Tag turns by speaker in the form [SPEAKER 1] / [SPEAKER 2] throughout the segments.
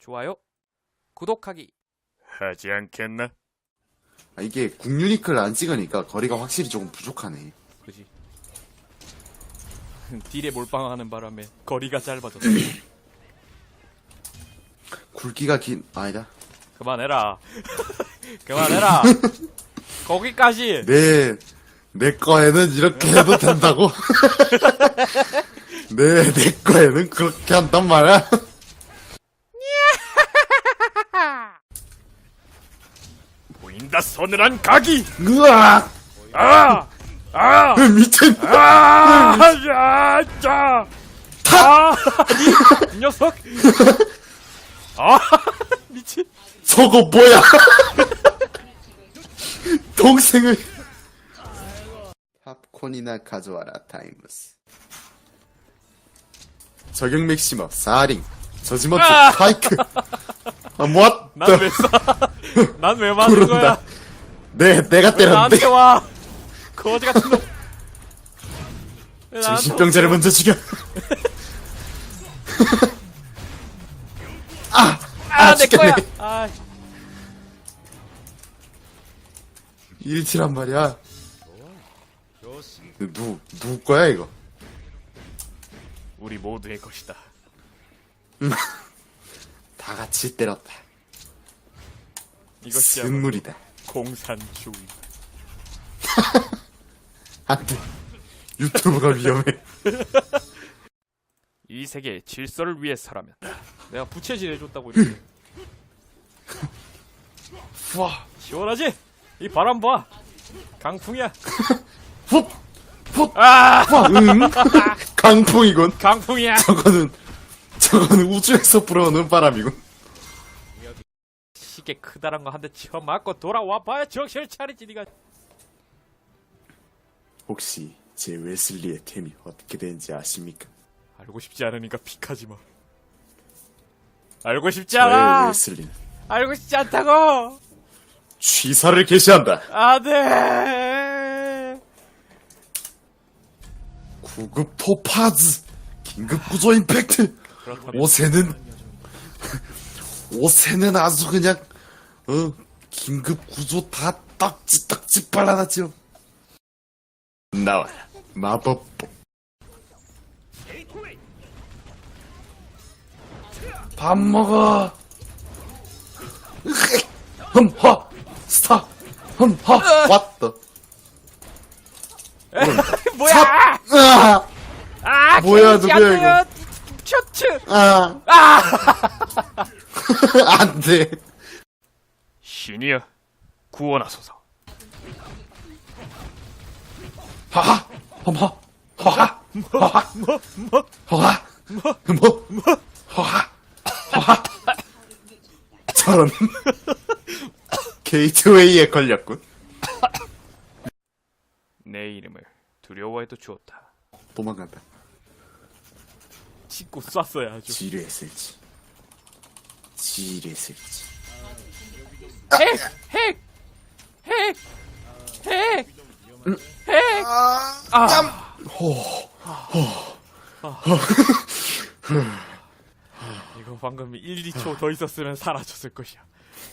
[SPEAKER 1] 좋아요, 구독하기.
[SPEAKER 2] 하지 않겠나?
[SPEAKER 3] 아, 이게 국유니크를 안 찍으니까 거리가 확실히 조금 부족하네.
[SPEAKER 1] 그지. 딜에 몰빵하는 바람에 거리가 짧아졌어.
[SPEAKER 3] 굵기가 아니다.
[SPEAKER 1] 그만해라. 그만해라. 거기까지.
[SPEAKER 3] 내 거에는 이렇게 해도 된다고? 내 거에는 그렇게 한단 말이야?
[SPEAKER 2] 보인다 서늘한 각이!
[SPEAKER 3] 으악!
[SPEAKER 2] 아! 아!
[SPEAKER 3] 미친!
[SPEAKER 2] 아! 야! 자!
[SPEAKER 1] 아, 이 녀석. 아, 미친.
[SPEAKER 3] 저거 뭐야? 동생을 팝콘이나 가져와라 타임스. 저격 맥시머 4링 저지먼트 파이크. 아, what?
[SPEAKER 1] 난 왜 쏴? 난 왜 맞은 거야?
[SPEAKER 3] 내가
[SPEAKER 1] 왜
[SPEAKER 3] 때렸는데.
[SPEAKER 1] 나한테 와? 거지 같은 놈. 왜 나한테
[SPEAKER 3] 정신병자를 먼저 죽여.
[SPEAKER 1] 내 거야.
[SPEAKER 3] 죽겠네.
[SPEAKER 1] 아,
[SPEAKER 3] 일티란 말이야. 누구 거야 이거?
[SPEAKER 2] 우리 모두의 것이다.
[SPEAKER 3] 다 같이 때렸다.
[SPEAKER 1] 이것이야
[SPEAKER 3] 승물이다.
[SPEAKER 1] 공산주의.
[SPEAKER 3] 안돼. 유튜브가 위험해.
[SPEAKER 1] 이 세계의 질서를 위해서라면 내가 부채질 해줬다고 이렇게. 와, 시원하지? 이 바람 봐. 강풍이야.
[SPEAKER 3] 훅! 훅!
[SPEAKER 1] 아,
[SPEAKER 3] 강풍이군.
[SPEAKER 1] 강풍이야.
[SPEAKER 3] 저거는 우주에서 불어오는 바람이군.
[SPEAKER 1] 시계 크다란 거 한 대 치워 맞고 돌아와 봐야 정신을 차리지 니가.
[SPEAKER 3] 혹시 제 웨슬리의 템이 어떻게 되는지 아십니까?
[SPEAKER 1] 알고 싶지 않으니까 픽하지 마. 알고 싶지
[SPEAKER 3] 저의
[SPEAKER 1] 않아.
[SPEAKER 3] 웨슬리는
[SPEAKER 1] 알고 싶지 않다고.
[SPEAKER 3] 취사를 개시한다.
[SPEAKER 1] 안돼.
[SPEAKER 3] 구급 토파즈 긴급 구조 임팩트. 옷에는 아주 그냥 긴급 구조 다 딱지 발라놨죠. 나와라 마법봉. 밥 먹어. 흠하 스타 흠하 왔다.
[SPEAKER 1] 뭐야?
[SPEAKER 3] 으아!
[SPEAKER 1] 아,
[SPEAKER 3] 뭐야,
[SPEAKER 1] 개인지
[SPEAKER 3] 누구야,
[SPEAKER 1] 안 돼요. 셔츠.
[SPEAKER 3] 아, 안 돼.
[SPEAKER 2] 신이여, 구원하소서.
[SPEAKER 3] 하하, 험하, 허하, 허하, 허하, 허하, 허하. 저런. 게이트웨이에 걸렸군.
[SPEAKER 2] 내 이름을 두려워해도 좋다.
[SPEAKER 3] 도망간다.
[SPEAKER 1] 짚고 쐈어야죠.
[SPEAKER 3] 지뢰했을지. 지뢰했을지.
[SPEAKER 1] 핵! 핵! 핵! 핵! 핵! 이거 방금 1, 2초 더 있었으면 사라졌을 것이야.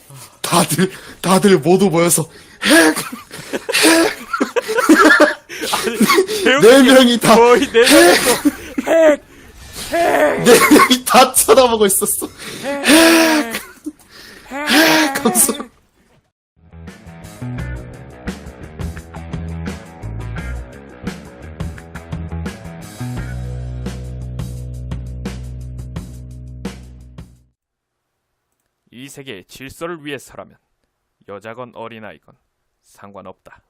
[SPEAKER 3] 다들 모두 모여서 네
[SPEAKER 1] 네
[SPEAKER 3] 명이 다,
[SPEAKER 1] 거의 4명이서 핵! 핵!
[SPEAKER 3] 네 명이 다 쳐다보고 있었어.
[SPEAKER 1] 핵!
[SPEAKER 3] 감사.
[SPEAKER 1] 이 세계의 질서를 위해서라면 여자건 어린아이건 상관없다.